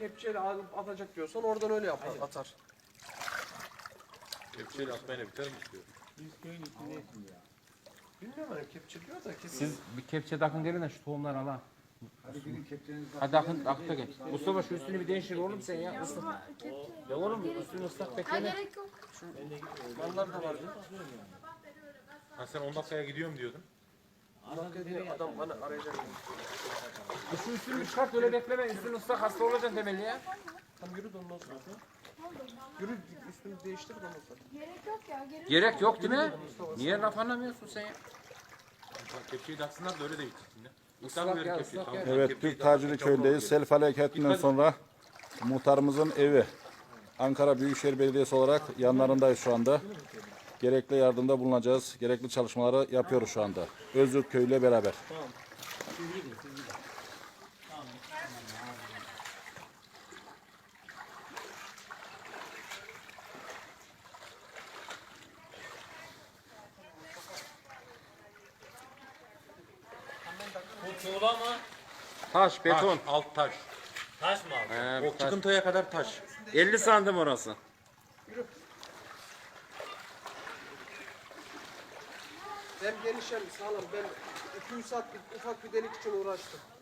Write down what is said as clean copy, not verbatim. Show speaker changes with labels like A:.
A: kepçeyle alıp atacak diyorsan oradan öyle yapar, atar.
B: Kepçeyle atmayla biter mi istiyor?
A: Bilmiyorum hani kepçe diyor da kesin.
C: Siz bir kepçe takın gelin de şu tohumları al ha.
D: Hadi gidin kepçenizi
C: Hadi akın da gel. Mustafa şu üstünü bir değiştir oğlum sen ya. Mustafa. Ya oğlum üstünü ıslak
E: Ha
C: bekleme.
E: gerek yok.
A: Mallar da var.
B: Ha sen 10 dakikaya gidiyorum diyordun.
A: Dakika diye adam bana arayacak.
C: Şu üstünü çıkart öyle bekleme. Üstünü ıslak hasta olacaksın temelli ya.
A: Tam yürü de ondan sonra. Yürü üstünü değiştir de ondan sonra.
E: Gerek yok ya.
C: Gerek yok değil mi? Niye laf anlamıyorsun sen ya?
B: Kepçeyi de atsınlar da öyle de bitsin.
C: Islak ya ıslak ya.
F: Evet, Türk Tacili Köyü'ndeyiz. Sel felaketinden sonra muhtarımızın evi. Ankara Büyükşehir Belediyesi olarak yanlarındayız şu anda. Gerekli yardımda bulunacağız. Gerekli çalışmaları yapıyoruz şu anda. Özgür Köy ile beraber.
G: Bu tuğla mı?
C: Taş, beton.
B: Alt taş.
G: Taş mı abi?
B: O çıkıntıya kadar taş.
C: 50 sandım orası.
A: Hem geniş hem sağlam. Ben 200 saat ufak bir delik için uğraştım.